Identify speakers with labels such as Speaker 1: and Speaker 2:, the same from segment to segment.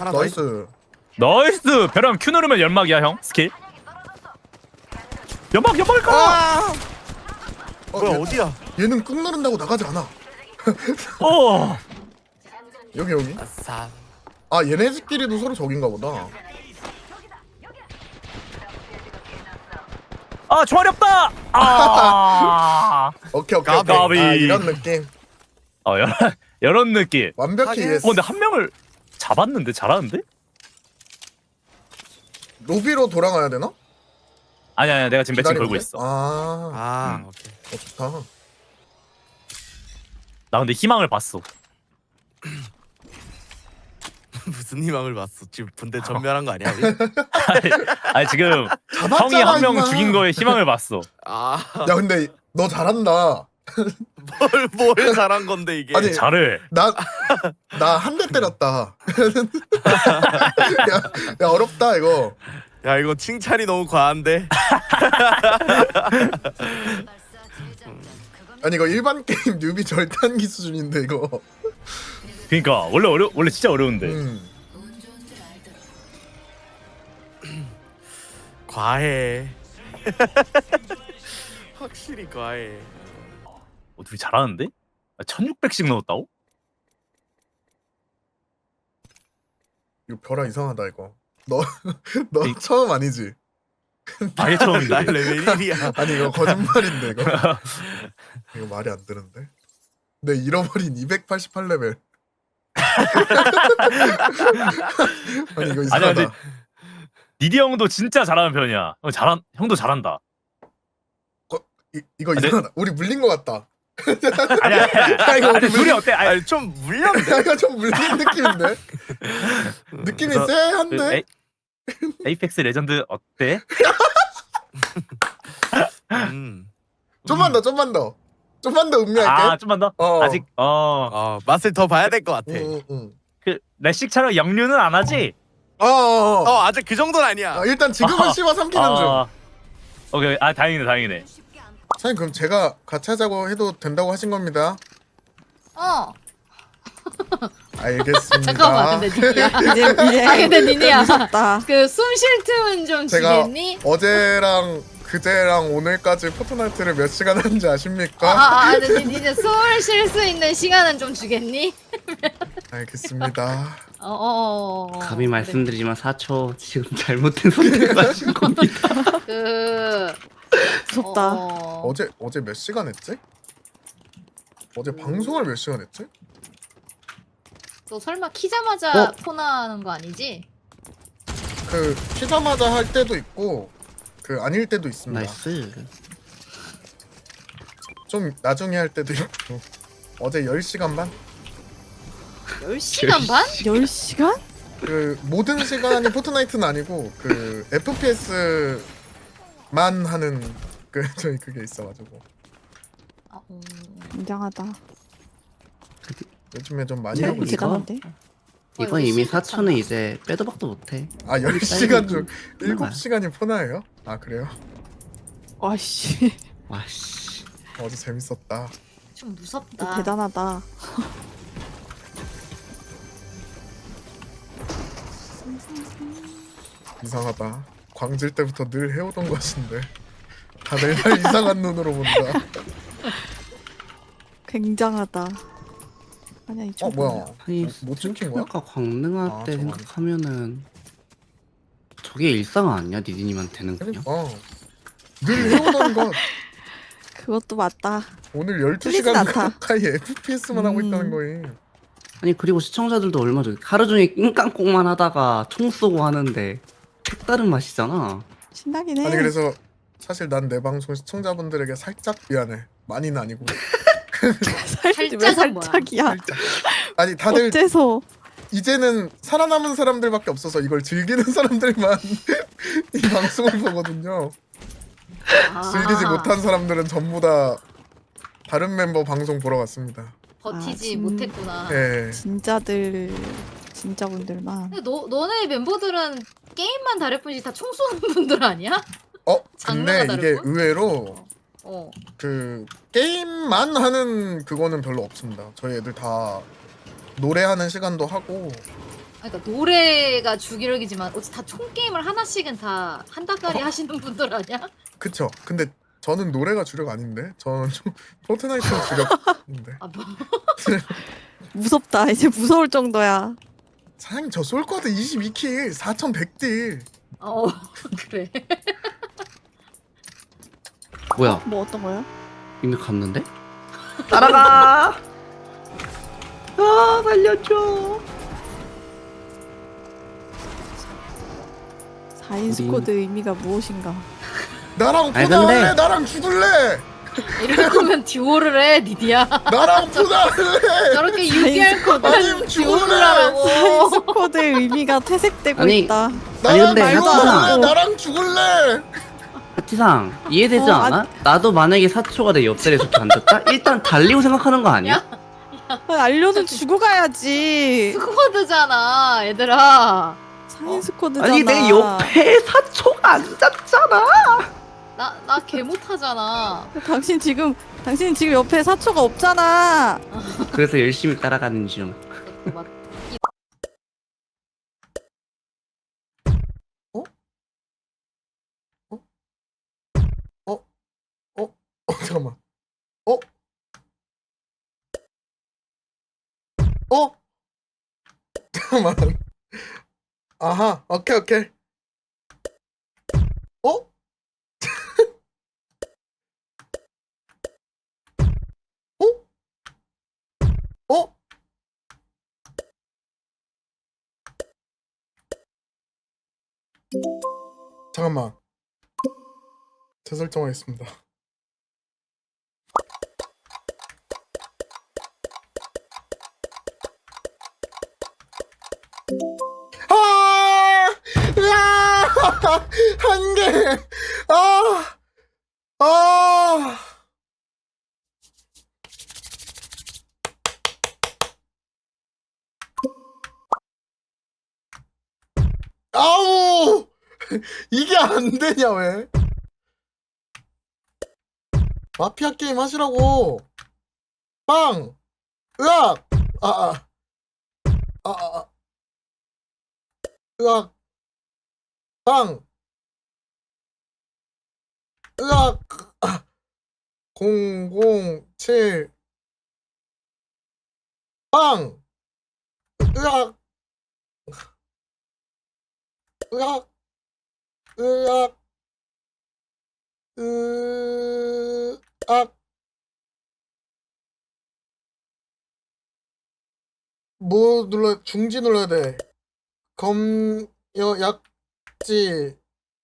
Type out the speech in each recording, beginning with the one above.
Speaker 1: 하나 더 있어.
Speaker 2: 나이스.
Speaker 3: 나이스. 벼랑 Q 누르면 연막이야 형. 스킬. 연막일 까?
Speaker 2: 아!
Speaker 1: 뭐야 어디야?
Speaker 2: 얘는 꾹 누른다고 나가지 않아.
Speaker 3: 어.
Speaker 2: 여기.
Speaker 1: 아싸.
Speaker 2: 아 얘네들끼리도 서로 적인가 보다.
Speaker 3: 아 총알이 없다. 아.
Speaker 2: 오케이.
Speaker 1: 까비.
Speaker 2: 아, 이런 느낌.
Speaker 3: 이런 느낌.
Speaker 2: 완벽히
Speaker 1: 하긴.
Speaker 2: 이해했어.
Speaker 3: 근데 한 명을 잡았는데 잘하는데?
Speaker 2: 로비로 돌아가야 되나?
Speaker 3: 아니야 내가 지금 매칭
Speaker 2: 기다리면
Speaker 3: 걸고
Speaker 2: 돼?
Speaker 3: 있어.
Speaker 1: 아 오케이.
Speaker 2: 좋다.
Speaker 3: 나 근데 희망을 봤어.
Speaker 1: 무슨 희망을 봤어? 지금 분대 전멸한 거 아니야?
Speaker 3: 아니 지금 형이
Speaker 2: 잡았잖아,
Speaker 3: 한 명
Speaker 2: 임마.
Speaker 3: 죽인 거에 희망을 봤어.
Speaker 1: 아,
Speaker 2: 야 근데 너 잘한다.
Speaker 1: 뭘 잘한 건데 이게?
Speaker 2: 아니,
Speaker 3: 잘해.
Speaker 2: 나 한 대 때렸다. 야 어렵다 이거.
Speaker 1: 야 이거 칭찬이 너무 과한데.
Speaker 2: 아니 이거 일반 게임 뉴비 절단기 수준인데 이거.
Speaker 3: 그러니까 원래 진짜 어려운데.
Speaker 1: 과해. 확실히 과해.
Speaker 3: 둘이 잘하는데? 1600씩 넣었다고?
Speaker 2: 이거 벼라 이상하다 이거. 너
Speaker 3: 이-
Speaker 2: 처음 아니지?
Speaker 3: 아예
Speaker 1: 나
Speaker 3: 처음인데.
Speaker 1: 레벨 1이야.
Speaker 2: 아니 이거 거짓말인데 이거. 이거 말이 안 되는데. 내 잃어버린 288레벨. 아니 이거 이상하다.
Speaker 3: 아니야, 근데 니디 형도 진짜 잘하는 편이야. 형도 잘한다.
Speaker 2: 이거
Speaker 3: 네.
Speaker 2: 이상하다. 우리 물린 것 같다.
Speaker 3: 아니야.
Speaker 2: 아, 이거
Speaker 3: 아니, 둘이 어때? 아니,
Speaker 1: 아니 좀 물렸네.
Speaker 2: 야, 이거 좀 물린 느낌인데? 느낌이
Speaker 3: 그래서
Speaker 2: 쎄한데?
Speaker 3: 에이펙스 레전드 어때?
Speaker 1: 음.
Speaker 2: 좀만 더 음미할게.
Speaker 3: 아 좀만 더?
Speaker 2: 어.
Speaker 3: 아직
Speaker 1: 맛을 더 봐야 될 것 같아.
Speaker 3: 그 레식처럼 역류는 안 하지?
Speaker 1: 아직 그 정도는 아니야.
Speaker 2: 일단 지금은 씹어 삼키는 중.
Speaker 3: 오케이. 다행이네.
Speaker 2: 사장님 그럼 제가 같이 하자고 해도 된다고 하신 겁니다. 알겠습니다.
Speaker 4: 잠깐만 근데 니니야.
Speaker 5: 이제
Speaker 4: 아 근데 니니야.
Speaker 5: 무섭다.
Speaker 4: 그 숨 쉴 틈은 좀
Speaker 2: 제가
Speaker 4: 주겠니?
Speaker 2: 어제랑 그제랑 오늘까지 포트나이트를 몇 시간 하는지 아십니까?
Speaker 4: 근데 니네 숨을 쉴 수 있는 시간은 좀 주겠니?
Speaker 2: 알겠습니다.
Speaker 6: 감히 말씀드리지만 4초 지금 잘못된 선택을 하신 겁니다.
Speaker 5: 무섭다.
Speaker 2: 어제 몇 시간 했지? 어제 방송을 몇 시간 했지?
Speaker 4: 너 설마 키자마자
Speaker 2: 어?
Speaker 4: 폰하는 거 아니지?
Speaker 2: 그 키자마자 할 때도 있고 그 아닐 때도 있습니다.
Speaker 6: 나이스.
Speaker 2: 좀 나중에 할 때도 있고. 어제 10시간 반?
Speaker 4: 10시간 반?
Speaker 5: 10시간?
Speaker 2: 그 모든 시간이 포트나이트는 아니고 그 FPS만 하는 그 저희 그게 있어가지고
Speaker 5: 굉장하다.
Speaker 2: 요즘에 좀 많이
Speaker 5: 체력이
Speaker 2: 하고 있어.
Speaker 5: 대단한데?
Speaker 6: 이건 이미 4초는 이제 빼도 박도 못해.
Speaker 2: 10시간 중
Speaker 6: 끝나가요.
Speaker 2: 7시간이 포나예요? 아 그래요?
Speaker 5: 와씨,
Speaker 6: 와씨.
Speaker 2: 어제 재밌었다.
Speaker 4: 좀 무섭다.
Speaker 5: 대단하다.
Speaker 2: 이상하다. 광질 때부터 늘 해오던 것인데 다들 날 이상한 눈으로 본다.
Speaker 5: 굉장하다. 아니야 이 정도.
Speaker 2: 뭐야?
Speaker 6: 아니
Speaker 2: 못 찍힌 거야?
Speaker 6: 스토커가 광능할
Speaker 2: 아,
Speaker 6: 때
Speaker 2: 저거네.
Speaker 6: 생각하면은 저게 일상 아니야 니디님한테는 그냥?
Speaker 2: 늘 해오던 것.
Speaker 5: 그것도 맞다.
Speaker 2: 오늘
Speaker 5: 틀리진
Speaker 2: 12시간
Speaker 5: 않다.
Speaker 2: 가까이 FPS만 하고 있다는 거임.
Speaker 6: 아니 그리고 시청자들도 얼마 전에 하루 종일 낑깡꽁만 하다가 총 쏘고 하는데 색다른 맛이잖아.
Speaker 5: 신나긴 해.
Speaker 2: 아니 그래서 사실 난 내 방송 시청자분들에게 살짝 미안해. 많이는 아니고.
Speaker 5: 살짝 왜
Speaker 4: 살짝은 뭐야?
Speaker 5: 살짝이야.
Speaker 2: 아니 다들
Speaker 5: 어째서?
Speaker 2: 이제는 살아남은 사람들밖에 없어서 이걸 즐기는 사람들만 이 방송을 보거든요. 즐기지 못한 사람들은 전부 다 다른 mem버 방송 보러 갔습니다.
Speaker 4: 버티지
Speaker 5: 아,
Speaker 4: 못했구나.
Speaker 2: 예.
Speaker 5: 진짜분들만.
Speaker 4: 근데 너네 멤버들은 게임만 다를 뿐이지 다 총 쏘는 분들 아니야?
Speaker 2: 근데
Speaker 4: 장르가
Speaker 2: 이게
Speaker 4: 다르고?
Speaker 2: 의외로
Speaker 4: 어.
Speaker 2: 그 게임만 하는 그거는 별로 없습니다. 저희 애들 다 노래하는 시간도 하고
Speaker 4: 그러니까 노래가 주기력이지만 어찌 다 총 게임을 하나씩은 다 한 달까리 하시는 분들 아니야?
Speaker 2: 그쵸. 근데 저는 노래가 주력 아닌데 저는 좀 포트나이트가 주력인데.
Speaker 4: 아 뭐?
Speaker 5: 무섭다. 이제 무서울 정도야.
Speaker 2: 사장님 저 솔코드 22킬 4100딜.
Speaker 4: 어 그래.
Speaker 6: 뭐야?
Speaker 5: 뭐 어떤 거야?
Speaker 6: 이미 갔는데? 따라가! 아, 살려줘.
Speaker 5: 4인 스쿼드 의미가 무엇인가?
Speaker 2: 나랑
Speaker 6: 아니,
Speaker 2: 포나할래?
Speaker 6: 근데-
Speaker 2: 나랑 죽을래?
Speaker 4: 이럴 거면 듀오를 해 니디야.
Speaker 2: 나랑 포나할래?
Speaker 4: 저렇게 유기할 거면
Speaker 2: 아님,
Speaker 4: 듀오를
Speaker 2: 죽을래.
Speaker 4: 하라고.
Speaker 5: 4인 스쿼드의 의미가 퇴색되고
Speaker 6: 아니,
Speaker 5: 있다.
Speaker 6: 아니,
Speaker 2: 나랑
Speaker 6: 근데
Speaker 2: 말도
Speaker 5: 하트상.
Speaker 2: 안 할래? 나랑 죽을래?
Speaker 6: 하티상 이해되지
Speaker 5: 어,
Speaker 6: 않아? 나도 만약에 사초가 내 옆자리에 저렇게 앉았다? 일단 달리고 생각하는 거 아니야?
Speaker 4: 야.
Speaker 5: 알려준 주고 가야지.
Speaker 4: 스쿼드잖아 얘들아.
Speaker 5: 4인 스쿼드잖아.
Speaker 6: 아니 내 옆에 사초가 앉았잖아.
Speaker 4: 나 개 못하잖아.
Speaker 5: 당신 지금 옆에 사초가 없잖아.
Speaker 6: 그래서 열심히 따라가는 중.
Speaker 4: 맞-
Speaker 2: 잠깐만. 어? 어? 잠깐만. 아하. 오케이 오케이. 어? 어? 어? 잠깐만. 재설정하겠습니다. 아! 으아! 한 개! 아! 아! 아우! 이게 안 되냐, 왜? 마피아 게임 하시라고! 빵! 으악! 으악! 빵! 으악! 007 빵! 으악! 으악! 으악! 으악! 뭐 중지 눌러야 돼. 약지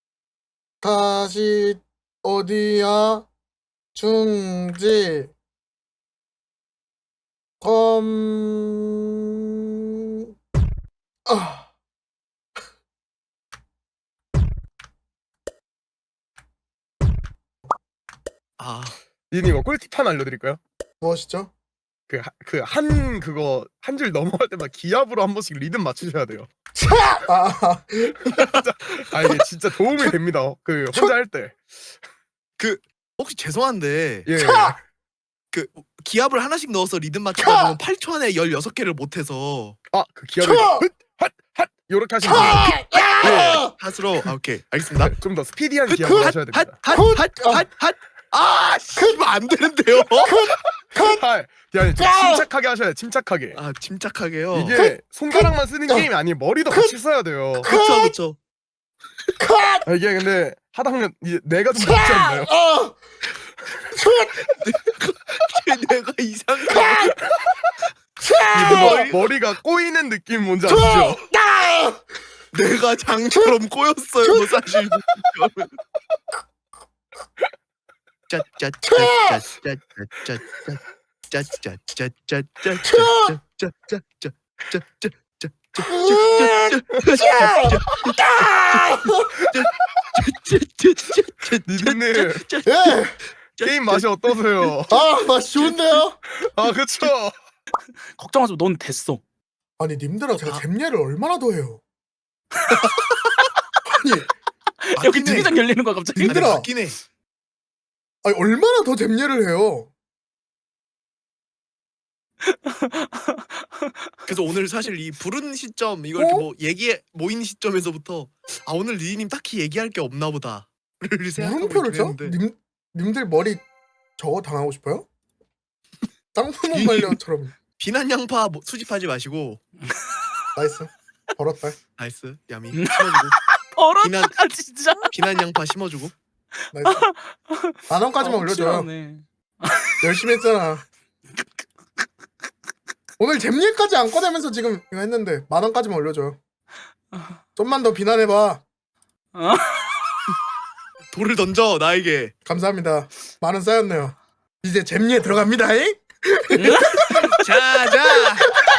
Speaker 2: 다시 어디야? 중지 아.
Speaker 1: 아
Speaker 7: 니님 이거 꿀팁 하나 알려드릴까요?
Speaker 2: 무엇이죠?
Speaker 7: 그거 한 줄 넘어갈 때마다 기압으로 한 번씩 리듬 맞추셔야 돼요.
Speaker 2: 아,
Speaker 7: 아 이게 진짜 도움이 됩니다. 그 혼자 할 때.
Speaker 1: 혹시 죄송한데
Speaker 7: 예.
Speaker 1: 그 기압을 하나씩 넣어서 리듬 맞추다 보면 8초 안에 16개를 못해서
Speaker 7: 아그 기압을 핫 요렇게 하시면 돼요.
Speaker 2: 야!
Speaker 1: 핫으로 오케이 알겠습니다.
Speaker 7: 좀 더 스피디한 기압을 하셔야 됩니다.
Speaker 1: 핫 씨발 안 되는데요.
Speaker 7: 아니 좀 침착하게 하셔야 돼. 침착하게.
Speaker 1: 아 침착하게요.
Speaker 7: 이게 손가락만 쓰는 게임이 아니에요. 머리도 같이 써야 돼요.
Speaker 1: 그쵸
Speaker 7: 아, 이게 근데 하다 보면 이제 뇌가 좀 먹지 않나요?
Speaker 1: 내가 이상해.
Speaker 7: 머리가 꼬이는 느낌 뭔지 아시죠?
Speaker 1: 내가 장처럼 꼬였어요 사실.
Speaker 7: 니드님
Speaker 2: 예!
Speaker 7: 게임 맛이 어떠세요?
Speaker 2: 아, 맛 좋은데요?
Speaker 7: 아 그쵸?
Speaker 8: 걱정하지 마. 넌 됐어.
Speaker 2: 아니, 님들아, 제가 잼예를 얼마나 더 해요? 아니,
Speaker 8: 여기 투기장 열리는 거야 갑자기.
Speaker 2: 님들아.
Speaker 1: 맞긴 해.
Speaker 2: 아니, 얼마나 더 잼예를 해요?
Speaker 1: 그래서 오늘 사실 이 부른 시점 이거 이렇게 뭐 얘기 모인 시점에서부터 아 오늘 리리님 딱히 얘기할 게 없나 보다를 생각하고
Speaker 2: 물음표를
Speaker 1: 있긴
Speaker 2: 쳐?
Speaker 1: 했는데
Speaker 2: 님들 머리 저거 당하고 싶어요? 쌍수몬 말려처럼.
Speaker 1: 비난 양파 수집하지 마시고
Speaker 2: 나이스. 벌었다.
Speaker 1: 나이스 야미 심어주고
Speaker 8: 버릇다가 진짜.
Speaker 1: 비난 양파 심어주고
Speaker 2: 나이스. 10,000원까지만 올려줘요.
Speaker 8: 확실하네.
Speaker 2: 열심히 했잖아. 오늘 잼일까지 안 꺼내면서 지금 이거 했는데 10,000원까지만 올려줘요. 좀만 더 비난해봐.
Speaker 1: 돌을 던져 나에게.
Speaker 2: 감사합니다. 10,000원 쌓였네요. 이제 잼리에 들어갑니다잉?
Speaker 1: 자자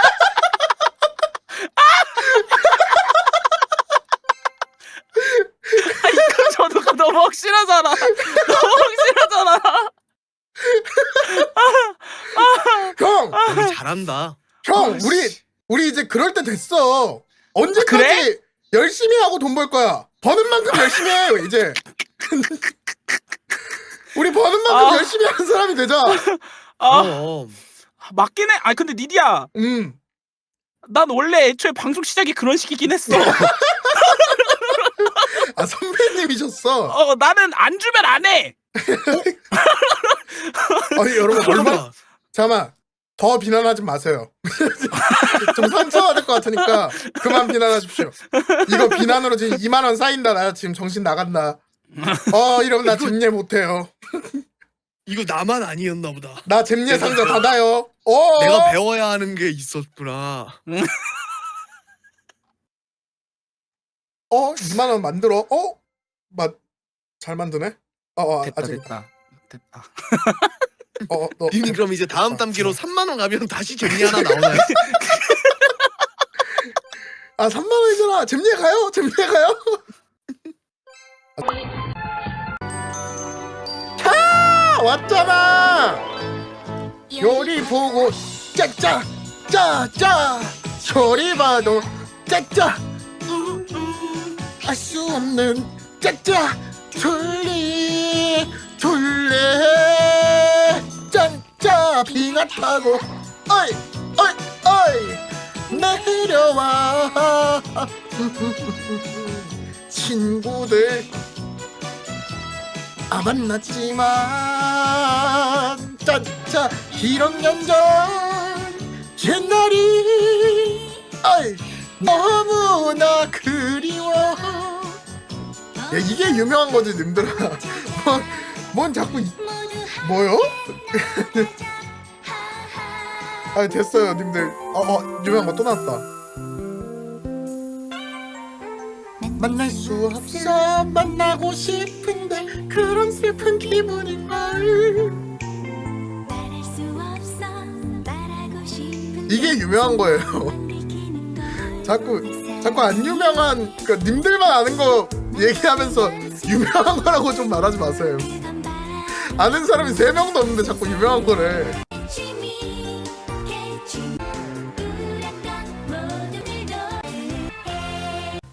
Speaker 8: 저도가 너무 확실하잖아. 너무 확실하잖아.
Speaker 2: 형!
Speaker 1: 우리 잘한다.
Speaker 2: 형! 우리 이제 그럴 때 됐어. 언제까지
Speaker 8: 그래?
Speaker 2: 열심히 하고 돈 벌 거야? 버는 만큼 열심히 해요 이제. 우리 버는 만큼 열심히 하는 사람이 되자.
Speaker 8: 아
Speaker 1: 그럼
Speaker 8: 맞긴 해. 아 근데 니디야, 난 원래 애초에 방송 시작이 그런 식이긴 했어.
Speaker 2: 아 선배님이셨어.
Speaker 8: 나는 안 주면 안 해.
Speaker 2: 아니 여러분 얼마 잠깐만 더 비난하지 마세요. 좀 상처받을 것 같으니까 그만 비난하십시오. 이거 비난으로 지금 20,000원 쌓인다. 나 지금 정신 나간다. 이러면 나 잼예 못해요.
Speaker 1: 이거 나만 아니었나 보다.
Speaker 2: 나 잼예 상자 닫아요.
Speaker 1: 내가 배워야 하는 게 있었구나.
Speaker 2: 2,000원 만들어. 잘 만드네.
Speaker 8: 됐다
Speaker 2: 아직.
Speaker 8: 됐다.
Speaker 2: 너
Speaker 1: 님이 그럼 이제 다음 담기로 3만 원 가면 다시 잼리 하나 나오나요?
Speaker 2: 3,000원이잖아. 잼예 가요. 잼예 가요. 차 왔잖아. 요리 보고 짝짝 짜짜 소리 봐도 짝짝 알 수 없는 짝짝 졸리 짠짜 비가 타고 어이 내려와 친구들 만났지만 짠짜 1학년 전 옛날이 너무나 그리워. 야 이게 유명한 거지 님들아. 뭔 자꾸 뭐요? 됐어요 님들. 유명한 거 또 나왔다. 만날 수 없어 만나고 싶은데 그런 슬픈 기분인걸. 이게 유명한 거예요. 자꾸 안 유명한 그러니까 님들만 아는 거 얘기하면서 유명한 거라고 좀 말하지 마세요. 아는 사람이 3명도 없는데 자꾸 유명한 거래.